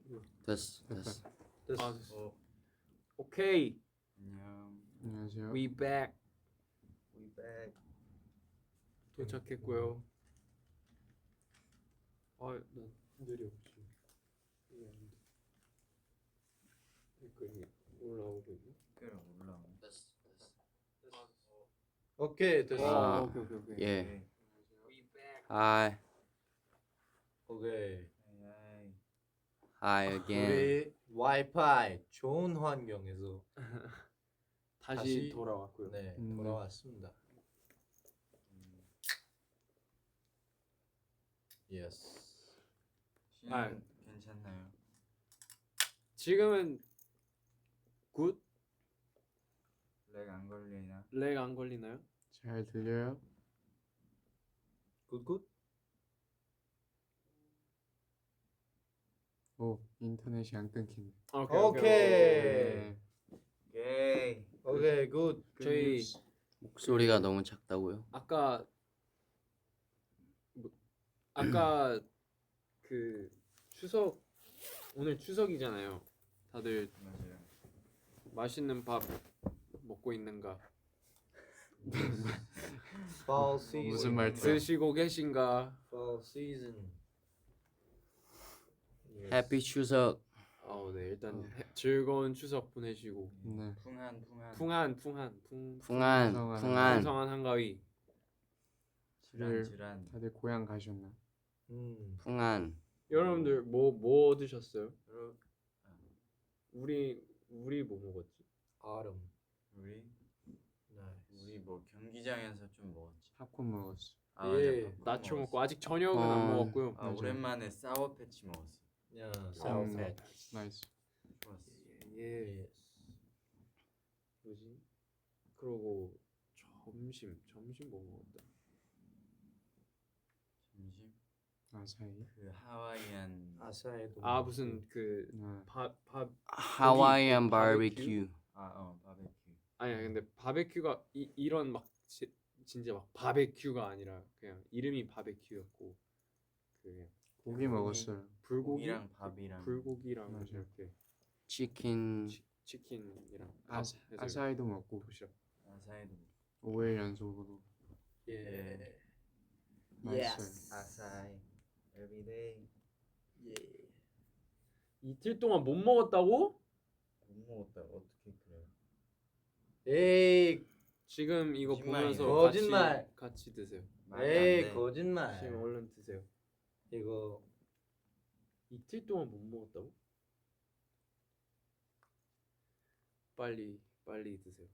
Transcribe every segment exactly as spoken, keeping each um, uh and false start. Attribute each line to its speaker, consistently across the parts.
Speaker 1: 됐어 됐어.
Speaker 2: 됐어.
Speaker 3: 아, 됐어. 오케이.
Speaker 4: 안녕.
Speaker 5: 안녕하세요.
Speaker 3: We back.
Speaker 2: We back.
Speaker 3: 도착했고요. 아, 나 느려 혹시. 이게 안 돼. 댓글이 올라오고 있네.
Speaker 4: 댓글 올라오.
Speaker 1: 됐어 됐어.
Speaker 2: 오케이 됐어.
Speaker 1: 아,
Speaker 3: 어, 오케이 오케이 오케이.
Speaker 1: 예.
Speaker 3: We back.
Speaker 1: Hi
Speaker 2: 오케이.
Speaker 4: 아이.
Speaker 1: hi again.
Speaker 2: 우리 와이파이 좋은 환경에서
Speaker 3: 다시,
Speaker 2: 다시
Speaker 3: 돌아왔고요.
Speaker 2: 네
Speaker 5: 음.
Speaker 2: 돌아왔습니다.
Speaker 4: 음,
Speaker 2: 예스.
Speaker 4: 씨는
Speaker 3: 아.
Speaker 4: 괜찮나요?
Speaker 3: 지금은 굿?
Speaker 4: 렉 안 걸리나?
Speaker 3: 렉 안 걸리나요?
Speaker 5: 잘 들려요?
Speaker 2: 굿굿.
Speaker 5: 오, 인터넷이 안 끊기네.
Speaker 3: 오케이.
Speaker 2: 오케이.
Speaker 5: 네.
Speaker 4: 오케이.
Speaker 2: 오케이 굿.
Speaker 3: 저희
Speaker 1: 목소리가 너무 작다고요?
Speaker 3: 아까 뭐, 아까 그 추석 오늘 추석이잖아요. 다들
Speaker 4: 맞아요.
Speaker 3: 맛있는 밥 먹고 있는가?
Speaker 2: Fall season.
Speaker 5: 무슨 말투야?
Speaker 3: 드시고 계신가?
Speaker 2: Fall season. Yes.
Speaker 1: 해피 추석.
Speaker 3: 어, 네 일단
Speaker 5: 어.
Speaker 3: 해- 즐거운 추석 보내시고
Speaker 5: 네.
Speaker 4: 풍한 풍한.
Speaker 3: 풍한 풍한 풍
Speaker 1: 풍한
Speaker 5: 풍성한
Speaker 1: 풍한.
Speaker 3: 풍성한 한가위.
Speaker 4: 질환 질환.
Speaker 5: 다들 고향 가셨나?
Speaker 2: 음.
Speaker 1: 풍한.
Speaker 3: 여러분들 뭐 뭐 드셨어요?
Speaker 2: 여러분,
Speaker 3: 우리 우리 뭐 먹었지?
Speaker 2: autumn.
Speaker 4: 우리
Speaker 2: Nice.
Speaker 4: 우리 뭐 경기장에서 좀 먹었지.
Speaker 5: 팝콘 먹었어.
Speaker 4: 아,
Speaker 2: 예.
Speaker 4: 맞아, 팝콘
Speaker 3: 나초 먹고
Speaker 4: 먹었어.
Speaker 3: 아직 저녁은 안
Speaker 1: 어.
Speaker 3: 먹었고요.
Speaker 4: 아
Speaker 5: 맞아.
Speaker 4: 오랜만에 사워 패치 먹었어.
Speaker 2: 야,
Speaker 5: 음,
Speaker 2: South Patch.
Speaker 5: 나이스.
Speaker 4: 좋았어.
Speaker 3: 예.
Speaker 2: Yes.
Speaker 3: 뭐지? 그러고 점심 점심 뭐 먹었다.
Speaker 4: 점심
Speaker 5: 아사히.
Speaker 4: 그 하와이안.
Speaker 2: 아사히도.
Speaker 3: 아
Speaker 2: 먹고.
Speaker 3: 무슨 그
Speaker 5: 아,
Speaker 3: 밥 밥
Speaker 1: 하와이안
Speaker 3: 바베큐?
Speaker 1: 바베큐.
Speaker 4: 아어 바베큐.
Speaker 3: 아니야 근데 바베큐가 이, 이런 막 지, 진짜 막 바베큐가 아니라 그냥 이름이 바베큐였고 그 그냥
Speaker 5: 고기 먹었어요.
Speaker 3: 불고기
Speaker 4: 고기랑 밥이랑.
Speaker 3: 불고기랑
Speaker 5: 맞아.
Speaker 3: 이렇게
Speaker 1: 치킨.
Speaker 3: 치, 치킨이랑
Speaker 5: 아,
Speaker 3: 밥 해서
Speaker 5: 아사히도 먹고
Speaker 3: 도시락.
Speaker 4: 아사히도.
Speaker 5: 오 일 연속으로
Speaker 2: 예.
Speaker 5: 맛있어요.
Speaker 4: 아사히. Everyday.
Speaker 2: 예.
Speaker 3: 이틀 동안 못 먹었다고?
Speaker 4: 못 먹었다. 어떻게 그래?
Speaker 2: 에이,
Speaker 3: 지금 이거
Speaker 4: 거짓말이네.
Speaker 3: 보면서
Speaker 2: 거짓말.
Speaker 3: 같이, 같이 드세요.
Speaker 4: 말이 안
Speaker 2: 에이
Speaker 4: 돼.
Speaker 2: 거짓말.
Speaker 3: 지금 얼른 드세요.
Speaker 2: 이거
Speaker 3: 이틀 동안 못 먹었다고? 빨리 빨리 드세요.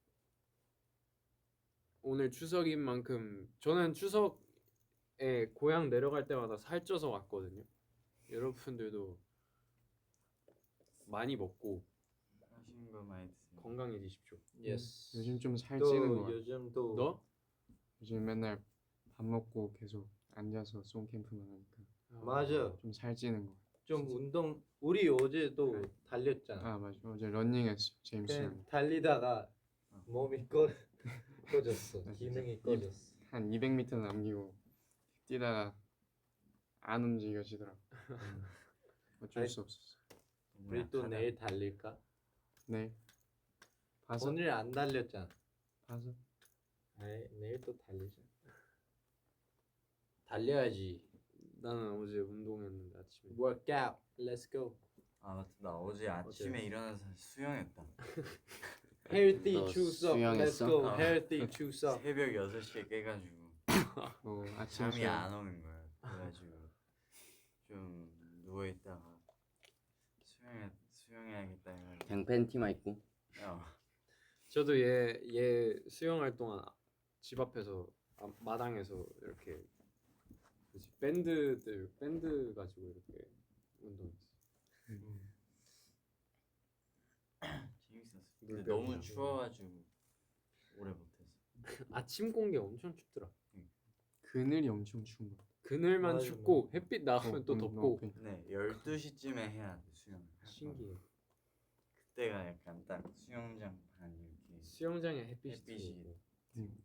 Speaker 3: 오늘 추석인 만큼 저는 추석에 고향 내려갈 때마다 살쪄서 왔거든요. 여러분들도 많이 먹고
Speaker 4: 맛있는 거 많이 드세요.
Speaker 3: 건강해지십시오.
Speaker 2: 예스.
Speaker 5: 요즘 좀 살찌는 거
Speaker 2: 또
Speaker 5: 같아.
Speaker 2: 요즘 또
Speaker 3: 너?
Speaker 5: 요즘 맨날 밥 먹고 계속 앉아서 송캠프만 하니까
Speaker 2: 맞아.
Speaker 5: 좀 살찌는 거.
Speaker 2: 좀 운동. 우리 어제도 달렸잖아.
Speaker 5: 아 맞아. 어제 러닝했어. 제임스랑
Speaker 2: 그냥 달리다가
Speaker 4: 어.
Speaker 2: 몸이 꺼 꺼졌어.
Speaker 5: 맞아.
Speaker 2: 기능이
Speaker 5: 이-
Speaker 2: 꺼졌어.
Speaker 5: 한 이백 미터 남기고 뛰다가 안 움직여지더라. 어쩔
Speaker 2: 아니,
Speaker 5: 수 없었어.
Speaker 4: 너무
Speaker 2: 우리 또
Speaker 4: 약하다.
Speaker 2: 내일 달릴까?
Speaker 5: 네. 봐서
Speaker 2: 오늘 안 달렸잖아.
Speaker 5: 봐서
Speaker 2: 아이, 내일 또 달리자. 달려야지.
Speaker 3: 나는 어제 운동했는데 아침에.
Speaker 2: Workout. Let's go.
Speaker 4: 아 맞다. 나 어제 아침에 일어나서 수영했다.
Speaker 2: Healthy
Speaker 1: 너
Speaker 2: 추석. Let's
Speaker 1: 수영했어?
Speaker 2: go.
Speaker 4: 어.
Speaker 2: Healthy 추석.
Speaker 4: 새벽 여섯 시에 깨가지고
Speaker 5: 어, 아침
Speaker 4: 잠이
Speaker 5: 수영.
Speaker 4: 안 오는 거야. 그래가지고 좀 누워 있다가 수영해 수영해야겠다 해가지고.
Speaker 1: 그냥 팬티만 입고.
Speaker 4: 어.
Speaker 3: 저도 얘 얘 수영할 동안 집 앞에서 아, 마당에서 이렇게 뭐지 밴드들 밴드 가지고 이렇게 운동했어.
Speaker 4: 재밌었어. 근데
Speaker 3: 물병이랑.
Speaker 4: 너무 추워가지고 오래 못했어.
Speaker 3: 아침 공기 엄청 춥더라.
Speaker 5: 그늘이 엄청 추운 거.
Speaker 3: 그늘만
Speaker 2: 맞아,
Speaker 3: 춥고 햇빛 나오면
Speaker 5: 어,
Speaker 3: 또
Speaker 5: 음,
Speaker 3: 덥고
Speaker 5: 어, 그러니까.
Speaker 4: 네 열두 시쯤에 해야 돼 수영.
Speaker 3: 신기해.
Speaker 4: 그때가 약간 딱 수영장 반 이렇게.
Speaker 3: 수영장에 햇빛이
Speaker 4: 햇빛이.
Speaker 3: 들어오고.
Speaker 5: 음.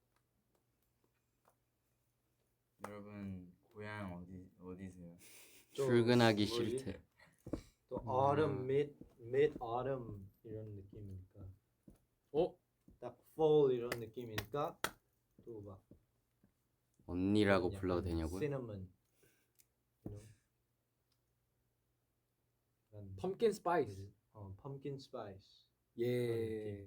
Speaker 4: 여러분 고향 어디 어디세요?
Speaker 2: 또
Speaker 1: 출근하기
Speaker 2: 뭐지?
Speaker 1: 싫대.
Speaker 2: 또
Speaker 5: 음.
Speaker 2: autumn, mid, mid autumn 이런 느낌이니까
Speaker 3: 어?
Speaker 2: 딱 fall 이런 느낌이니까 또 막
Speaker 1: 언니라고
Speaker 2: 약간
Speaker 1: 불러도 되냐고요?
Speaker 2: cinnamon, you know? 약간
Speaker 3: 펌킨 스파이스.
Speaker 2: 어, pumpkin spice.
Speaker 3: 예.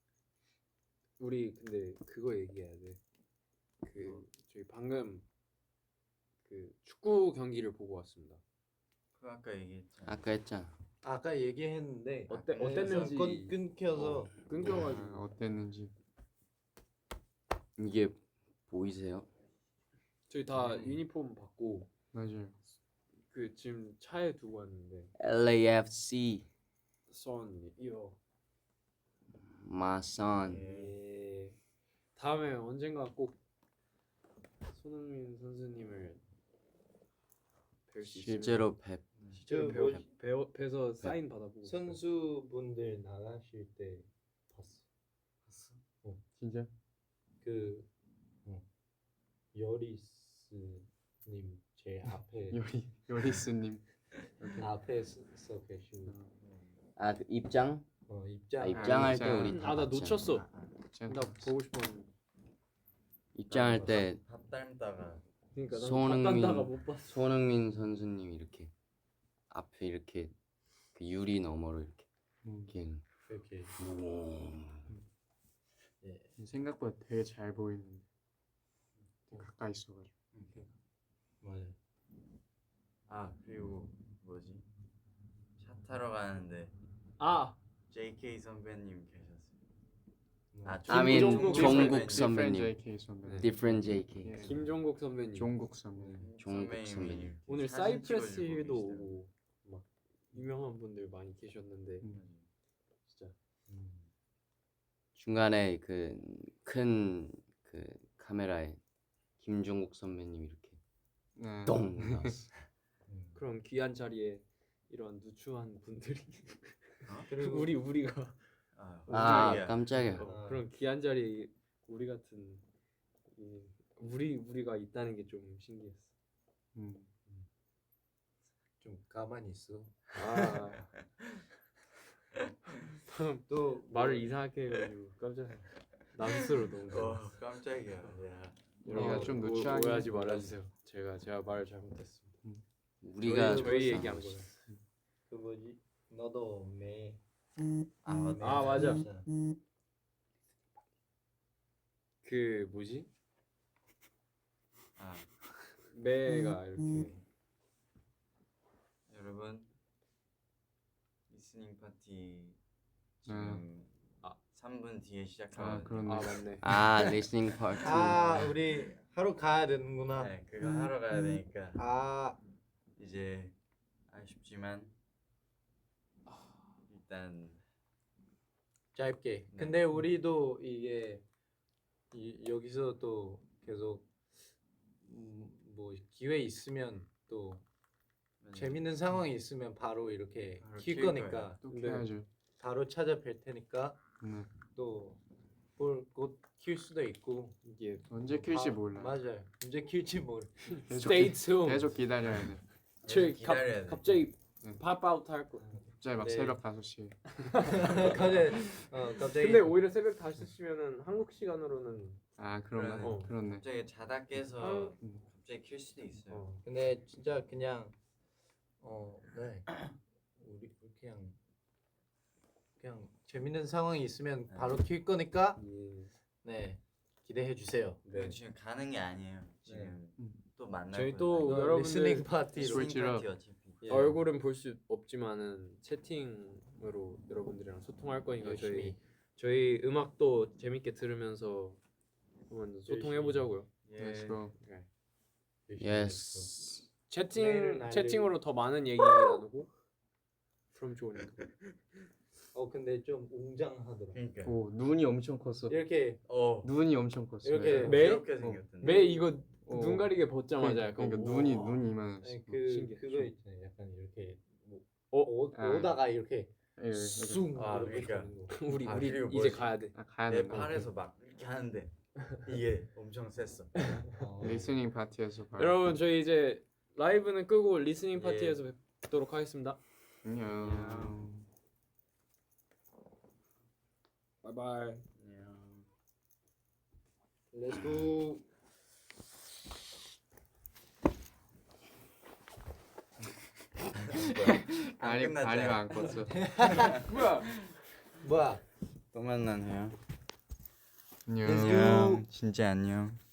Speaker 3: 우리 근데 그거 얘기해야 돼. 그 저희 방금 그 축구 경기를 보고 왔습니다.
Speaker 4: 그 아까 얘기했잖아.
Speaker 1: 아까 했잖아.
Speaker 2: 아까 얘기했는데
Speaker 3: 어때-
Speaker 2: 그래서
Speaker 3: 어땠는지-
Speaker 2: 끊, 끊겨서
Speaker 3: 끊겨가지고.
Speaker 5: 아, 어땠는지.
Speaker 1: 이게 보이세요?
Speaker 3: 저희 다
Speaker 4: 음.
Speaker 3: 유니폼 받고
Speaker 5: 맞아요.
Speaker 3: 그 지금 차에 두고 왔는데
Speaker 1: 엘에이에프씨
Speaker 3: 선 이어.
Speaker 1: my son.
Speaker 3: 예. 다음에 언젠가 꼭 손흥민 선수님을 뵐 수 있으면
Speaker 1: 실제로 뵙.
Speaker 3: 실제로
Speaker 2: 그
Speaker 3: 배워,
Speaker 2: 뭐지?
Speaker 3: 배워, 뵈서 사인 받아보고 싶어요.
Speaker 2: 선수분들 나가실 때 봤어.
Speaker 4: 봤어?
Speaker 5: 진짜?
Speaker 2: 그 어, 여리스님 제 앞에
Speaker 5: 요리 요리스님.
Speaker 2: 앞에 서, 서 계시고
Speaker 1: 아, 그 입장?
Speaker 2: 어, 입장
Speaker 1: 아, 입장할 때
Speaker 5: 입장.
Speaker 1: 우리 다
Speaker 3: 아 나
Speaker 1: 봤잖아.
Speaker 3: 놓쳤어.
Speaker 5: 짠.
Speaker 3: 나 보고 싶었는데.
Speaker 1: 입장할 때
Speaker 4: 밥 닮다가
Speaker 3: 그러니까 난
Speaker 1: 손흥민-
Speaker 3: 손흥민다가 못 봤어.
Speaker 1: 손흥민 선수님 이렇게 앞에 이렇게 그 유리 너머로 이렇게
Speaker 5: 음,
Speaker 1: 이렇게
Speaker 2: 이렇게 예.
Speaker 5: 생각보다 되게 잘 보이는데 되게 가까이 있어가지고.
Speaker 2: 맞아요.
Speaker 4: 아 그리고 뭐지? 차 타러 가는데
Speaker 3: 아
Speaker 4: 제이케이 선배님 계셨어요. 아
Speaker 1: I mean
Speaker 3: 김종국
Speaker 1: 종국
Speaker 5: Different
Speaker 1: 선배님.
Speaker 5: 제이케이 선배님.
Speaker 1: Different 제이케이.
Speaker 5: 예.
Speaker 3: 김종국 선배님.
Speaker 5: 종국 선배님.
Speaker 1: 종국
Speaker 4: 선배님이
Speaker 1: 선배님.
Speaker 4: 이렇게
Speaker 3: 오늘
Speaker 4: 사진
Speaker 3: 사이프레스
Speaker 4: 찍어주고
Speaker 3: 힐도
Speaker 4: 계시더라고요.
Speaker 3: 오고 막 유명한 분들 많이 계셨는데
Speaker 5: 음.
Speaker 3: 진짜
Speaker 2: 음.
Speaker 1: 중간에 그 큰 그 카메라에 김종국 선배님 이렇게
Speaker 5: 네.
Speaker 1: 똥 나왔어.
Speaker 2: 음.
Speaker 3: 그런 귀한 자리에 이런 누추한 분들이
Speaker 2: 그리고
Speaker 3: 우리 우리가
Speaker 4: 아,
Speaker 1: 아
Speaker 4: 깜짝이야.
Speaker 1: 깜짝이야.
Speaker 3: 어, 그런 귀한 자리에 우리 같은 이, 우리 우리가 있다는 게 좀 신기했어.
Speaker 5: 음.
Speaker 2: 좀 가만히 있어.
Speaker 3: 아 방금
Speaker 2: 또
Speaker 3: 말을 이상하게 해가지고 깜짝 나 스스로 너무
Speaker 4: 어 깜짝이야. 야.
Speaker 5: 우리가
Speaker 3: 어,
Speaker 5: 좀
Speaker 3: 오-
Speaker 5: 누추하게
Speaker 3: 오해하지
Speaker 5: 해서
Speaker 3: 말아주세요. 제가 제가 말을 잘못했습니다.
Speaker 1: 우리가
Speaker 3: 저희, 저희 얘기한 거예요.
Speaker 2: 그 뭐지? 너도 매.
Speaker 4: 아 맞다.
Speaker 3: 아, 맞아.
Speaker 2: 진짜.
Speaker 3: 그 뭐지?
Speaker 4: 아
Speaker 3: 매가 이렇게
Speaker 4: 여러분 리스닝 파티 지금
Speaker 3: 아.
Speaker 4: 삼 분 뒤에
Speaker 5: 아
Speaker 4: 시작하거든요.
Speaker 5: 그렇네.
Speaker 3: 아 맞네.
Speaker 1: 아 리스닝 파티.
Speaker 2: 아 우리 하러 가야 되는구나.
Speaker 4: 네, 그거 하러 가야 되니까
Speaker 2: 아
Speaker 4: 이제 아쉽지만 일단
Speaker 2: 짧게.
Speaker 4: 네.
Speaker 2: 근데 우리도 이게 이, 여기서 또 계속 음, 뭐 기회 있으면 또 재밌는 상황이 있으면 바로 이렇게
Speaker 4: 바로
Speaker 2: 킬
Speaker 4: 킬
Speaker 2: 거니까
Speaker 4: 거예요.
Speaker 5: 또
Speaker 3: 네.
Speaker 5: 켜야죠.
Speaker 2: 바로 찾아뵐 테니까
Speaker 5: 네.
Speaker 2: 또뭘곧킬 수도 있고
Speaker 3: 이게
Speaker 5: 언제 킬지
Speaker 2: 아,
Speaker 5: 몰라.
Speaker 2: 맞아요. 언제 킬지 모르.
Speaker 5: 계속
Speaker 3: Stay
Speaker 5: 기-
Speaker 3: tuned.
Speaker 5: 계속 기다려야 돼.
Speaker 3: 저희
Speaker 4: 계속 기다려야
Speaker 3: 갑,
Speaker 4: 돼.
Speaker 3: 갑자기
Speaker 5: 응.
Speaker 3: 팝아웃 할 거.
Speaker 5: 갑자기 막
Speaker 2: 네.
Speaker 5: 새벽 다섯 시에.
Speaker 2: 갑자기 어 갑자기
Speaker 3: 근데 오히려 새벽 다섯 시면은 한국 시간으로는
Speaker 5: 아 그런가?
Speaker 4: 그러네.
Speaker 5: 어. 그렇네.
Speaker 4: 갑자기 자다 깨서
Speaker 5: 음.
Speaker 4: 갑자기 킬 수도 있어요.
Speaker 3: 어.
Speaker 2: 근데 진짜 그냥 어 네. 우리 그냥 그냥 재밌는 상황이 있으면
Speaker 4: 네.
Speaker 2: 바로 킬 거니까
Speaker 3: 예.
Speaker 2: 네 기대해 주세요.
Speaker 4: 그리고
Speaker 3: 네.
Speaker 4: 지금 가는 게 아니에요. 지금
Speaker 5: 음.
Speaker 4: 또 만날
Speaker 3: 저희
Speaker 4: 거예요.
Speaker 3: 또
Speaker 2: 이거
Speaker 3: 여러분들
Speaker 2: 리스닝 파티로
Speaker 5: 스위치-
Speaker 4: 리스닝 파티 어차피.
Speaker 2: 예.
Speaker 3: 얼굴은 볼 수 없지만은 채팅으로 여러분들이랑 소통할 거니까 저희
Speaker 2: 열심히.
Speaker 3: 저희 음악도 재밌게 들으면서 한번 소통해 보자고요.
Speaker 4: 예.
Speaker 5: Let's go.
Speaker 2: 열심히
Speaker 1: 예스.
Speaker 3: 채팅
Speaker 2: 내일은 날리고.
Speaker 3: 채팅으로 더 많은 얘기 나누고 그럼 좋으니까.
Speaker 2: 어 근데 좀 웅장하더라.
Speaker 4: 그러니까.
Speaker 5: 오 눈이 엄청 컸어.
Speaker 2: 이렇게
Speaker 4: 어.
Speaker 5: 눈이 엄청 컸어.
Speaker 2: 이렇게
Speaker 3: 매?
Speaker 4: 귀엽게 생겼던데.
Speaker 3: 매 이거
Speaker 5: 어.
Speaker 3: 눈 가리게 벗자마자
Speaker 5: 그러니까,
Speaker 3: 약간
Speaker 5: 그러니까
Speaker 3: 우와.
Speaker 5: 눈이 눈이 이만했어.
Speaker 2: 아니, 그
Speaker 3: 신기해.
Speaker 2: 그거 있잖아요. 약간 이렇게 뭐
Speaker 3: 어?
Speaker 2: 오,
Speaker 5: 아.
Speaker 2: 오다가 이렇게
Speaker 5: 예, 예,
Speaker 2: 쑥
Speaker 4: 아,
Speaker 2: 이렇게
Speaker 4: 그러니까.
Speaker 2: 가는 거.
Speaker 3: 우리
Speaker 4: 아,
Speaker 3: 우리
Speaker 4: 그리고
Speaker 3: 이제
Speaker 4: 뭐지?
Speaker 3: 가야 돼.
Speaker 5: 아 가야
Speaker 4: 내
Speaker 5: 된다.
Speaker 4: 팔에서 막 이렇게 하는데 이게 엄청 셌어.
Speaker 2: 어.
Speaker 5: 리스닝 파티에서 바로.
Speaker 3: 여러분 저희 이제 라이브는 끄고 리스닝
Speaker 4: 예.
Speaker 3: 파티에서 뵙도록 하겠습니다.
Speaker 5: 안녕.
Speaker 3: 바이바이.
Speaker 4: 안녕.
Speaker 3: 렛츠고.
Speaker 5: 다리
Speaker 4: 끝났잖아.
Speaker 5: 다리가 안 컸어.
Speaker 3: 뭐야?
Speaker 2: 뭐야?
Speaker 4: 또 만나네요.
Speaker 5: 안녕.
Speaker 4: 안녕. 진짜 안녕.